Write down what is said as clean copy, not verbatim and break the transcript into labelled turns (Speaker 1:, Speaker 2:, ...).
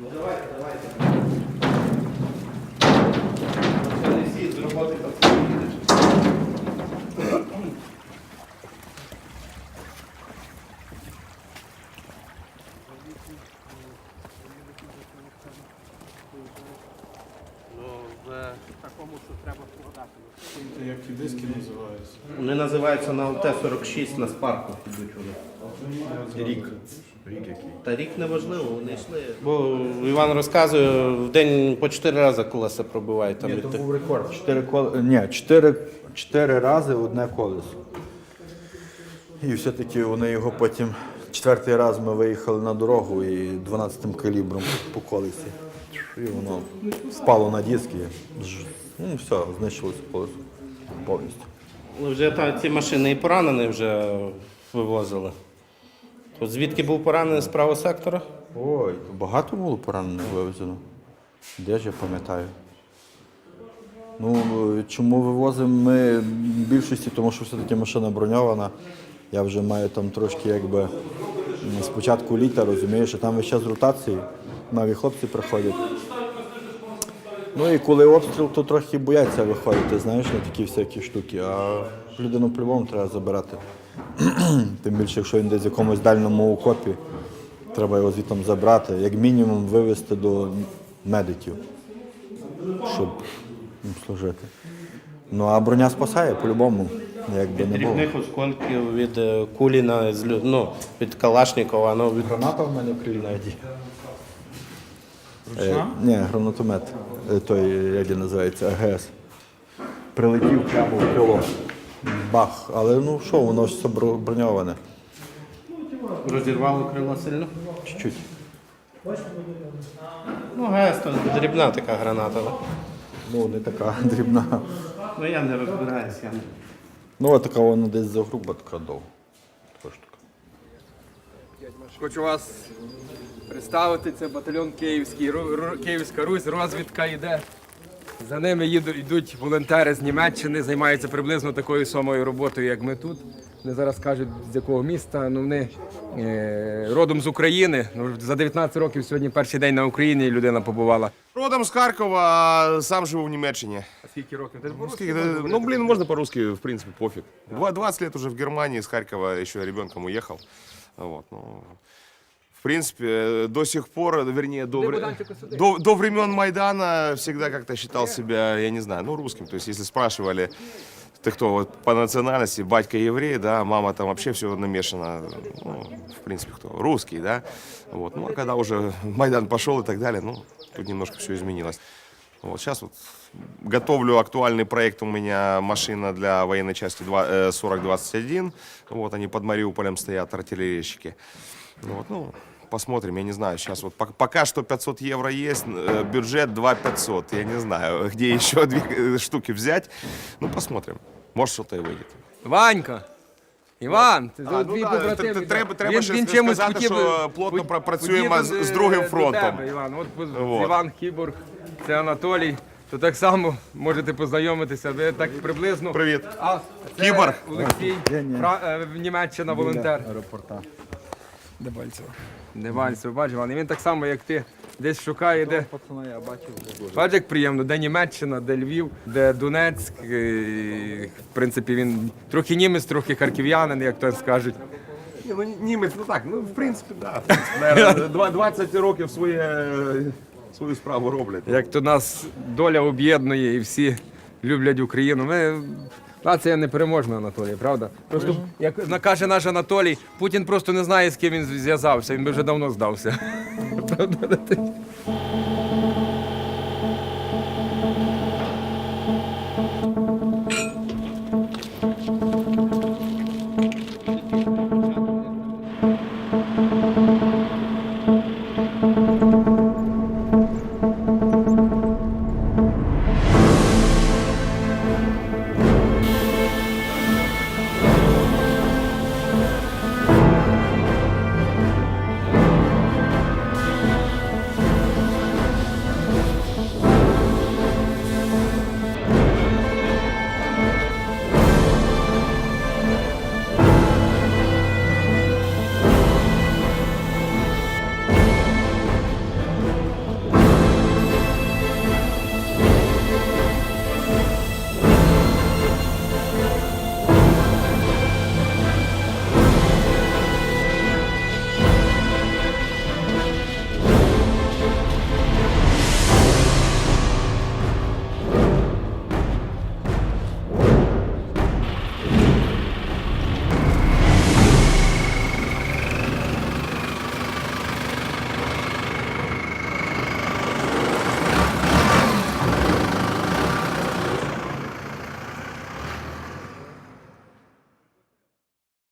Speaker 1: Ну давайте. Це не всі з роботи так їдеш.
Speaker 2: Такому, що треба складати.
Speaker 3: Як ті диски називаються?
Speaker 1: Вони називаються на ЛТ-46 на спарку підуть вони. Рік. Та рік не важливо, вони йшли. Бо Іван розказує, в день по 4 рази колеса пробивають. Там
Speaker 4: Ні,
Speaker 1: від
Speaker 4: то
Speaker 1: тих.
Speaker 4: був рекорд. 4 рази одне колесо. І все-таки вони його потім, 4-й раз ми виїхали на дорогу і 12-м калібром по колесі. І воно впало на диски. Ну все, знищилося колесо повністю.
Speaker 1: Вже ці машини і поранені вже вивозили. От звідки був поранений з правого сектора?
Speaker 4: Ой, багато було поранених вивезено. Де ж я пам'ятаю? Ну, чому вивозимо ми в більшості, тому що все-таки машина броньована. Я вже маю там трошки якби з початку літа, розумієш, а там весь час ротації, нові хлопці приходять. Ну і коли обстріл, то трохи бояться виходити, знаєш, на такі всякі штуки, а людину по-любому треба забирати. Тим більше, якщо він десь в якомусь дальньому окопі, треба його звідти забрати, як мінімум вивезти до медиків, щоб їм служити. Ну а броня спасає по-любому, якби не було.
Speaker 1: Дрібних осколків від кулі, від Калашникова. Від...
Speaker 4: Граната в мене в крилі навіть є.
Speaker 3: Ручна?
Speaker 4: Ні, гранатомет, той, як він називається, АГС. Прилетів прямо в крило. Бах. Але ну що, воно ж все броньоване.
Speaker 1: Розірвало крило сильно?
Speaker 4: Чуть-чуть.
Speaker 1: Ну, ГС то дрібна така граната. Да?
Speaker 4: Ну, не така дрібна.
Speaker 1: Ну я не розбираюся.
Speaker 4: Ну, а така вона десь загруба, така довга. Така штука.
Speaker 2: Хочу вас представити, це батальйон Київський, Київська Русь, розвідка йде. За ними йдуть волонтери з Німеччини, займаються приблизно такою самою роботою, як ми тут. Вони зараз кажуть, з якого міста, ну вони родом з України. Ну, за 19 років сьогодні перший день на Україні людина побувала.
Speaker 5: Родом з Харкова, а сам живу в Німеччині.
Speaker 2: А скільки років? Ти
Speaker 5: Ну, блин, можно по-русски, в принципе, пофиг. 20 лет уже в Германии, с Харькова еще ребенком уехал. Вот, ну, в принципе, до сих пор, вернее, до времен Майдана всегда как-то считал себя, я не знаю, ну, русским. То есть, если спрашивали, ты кто вот, по национальности, батька еврей, да, мама там вообще все намешано, ну, в принципе, кто, русский, да. Вот, ну, а когда уже Майдан пошел и так далее, ну, тут немножко все изменилось. Вот сейчас вот готовлю актуальный проект, у меня машина для военной части 4021, вот они под Мариуполем стоят, артиллерийщики. Вот, ну, посмотрим, я не знаю, сейчас вот пока что 500 евро есть, бюджет 2500, я не знаю, где еще 2 штуки взять, ну, посмотрим, может что-то и выйдет.
Speaker 2: Ванька! Іван, ти
Speaker 5: Ну,
Speaker 2: твій
Speaker 5: да,
Speaker 2: побратим.
Speaker 5: треба ще сказати, що плотно працюємо з другим фронтом.
Speaker 2: Іван, от
Speaker 5: Вот.
Speaker 2: Іван Кіборг, це Анатолій. То так само можете познайомитися. Ви так приблизно.
Speaker 5: Привіт.
Speaker 2: А це
Speaker 5: Кіборг.
Speaker 2: Олексій, Німеччина, волонтер.
Speaker 4: Аеропорта.
Speaker 2: Дебальцево, бачиш, Іван. І він так само, як ти, десь шукає, де.
Speaker 4: Пацана я бачив вже.
Speaker 2: Бачиш, як приємно, де Німеччина, де Львів, де Донецьк. В принципі, він трохи німець, трохи харків'янин, як то скажуть.
Speaker 5: Ні, ну, німець, ну так, ну, в принципі, да. Наверно, 20 років свою справу роблять.
Speaker 2: Як то нас доля об'єднує і всі люблять Україну. Нація непереможна, Анатолій, правда? Просто, як каже наш Анатолій, Путін просто не знає, з ким він зв'язався, він би вже давно здався. Правда?